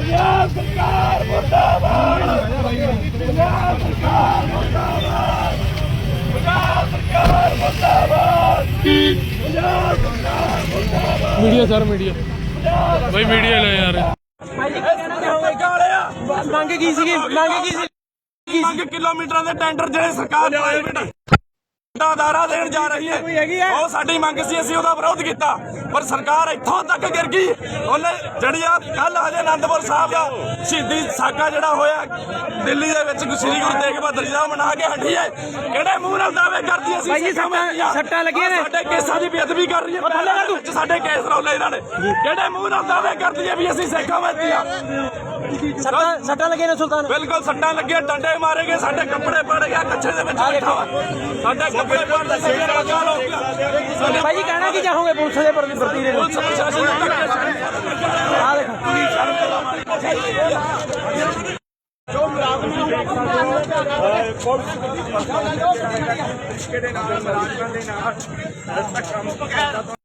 ਪੰਜਾਬ ਸਰਕਾਰ ਮੁਰਦਾਬਾਦ। ਪੰਜਾਬ ਸਰਕਾਰ ਮੁਰਦਾਬਾਦ। ਪੰਜਾਬ ਸਰਕਾਰ ਮੁਰਦਾਬਾਦ। ਪੰਜਾਬ ਸਰਕਾਰ ਮੁਰਦਾਬਾਦ। मीडिया सर मीडिया भाई मीडिया ले यार ਮੰਗ ਕੀ ਸੀਗੀ ਮੰਗ ਕਿਲੋਮੀਟਰਾਂ ਦੇ ਟੈਂਡਰ ਜਿਹੜੇ ਸਰਕਾਰ ਦਾਰਾ ਦੇਣ ਜਾ ਰਹੀ ਹੈ ਉਹ ਸਾਡੀ ਮੰਗ ਸੀ। ਅਸੀਂ ਉਹਦਾ ਵਿਰੋਧ ਕੀਤਾ ਪਰ ਸਰਕਾਰ ਇੱਥੋਂ ਤੱਕ ਗਿਰ ਗਈ। ਉਹਨੇ ਜਿਹੜੀ ਆ ਕੱਲ ਹਜੇ ਅਨੰਦਪੁਰ ਸਾਹਿਬ ਦਾ ਸ਼ਹੀਦੀ ਸਾਕਾ ਜਿਹੜਾ ਹੋਇਆ ਦਿੱਲੀ ਦੇ ਵਿੱਚ ਸ੍ਰੀ ਗੁਰੂ ਤੇਗ ਬਹਾਦਰ ਜੀ ਦਾ ਮਨਾ ਕੇ ਹਟੀ ਹੈ। ਕਿਹੜੇ ਮੂੰਹ ਨਾਲ ਦਾਅਵੇ ਕਰਦੀ ਅਸੀਂ ਸੱਟਾਂ ਲੱਗੀਆਂ ਨੇ ਸਾਡੇ ਕੇਸਾਂ ਦੀ ਬੇਅਦਬੀ ਕਰ ਰਹੀ ਹੈ। ਸਾਡੇ ਕੇਸ ਰੌਲੇ ਇਹਨਾਂ ਨੇ ਕਿਹੜੇ ਮੂੰਹ ਨਾਲ ਦਾਅਵੇ ਕਰਦੀ ਹੈ ਵੀ ਅਸੀਂ ਸਿੱਖਾਂ ਵਿੱਚ ਆ। ਸੱਟਾਂ ਲੱਗੀਆਂ ਨੇ ਸੁਲਤਾਨ ਬਿਲਕੁਲ ਸੱਟਾਂ ਲੱਗੀਆਂ ਡੰਡੇ ਮਾਰੇ ਗਏ ਸਾਡੇ ਕੱਪੜੇ ਪੜ ਗਿਆ ਕੱਛੇ ਦੇ ਵਿੱਚ ਬੈਠਾ ਵਾ ਸਾਡੇ ਕੱਪੜੇ ਪੜਦੇ ਭਾਈ ਜੀ ਕਹਿਣਾ ਕੀ ਚਾਹੋਗੇ ਪੁਲਿਸ ਦੇ ਪ੍ਰਤੀ ਦੇ ਪੁਲਿਸ ਪ੍ਰਸ਼ਾਸਨ ਨੂੰ ਆ ਦੇਖੋ ਜੋ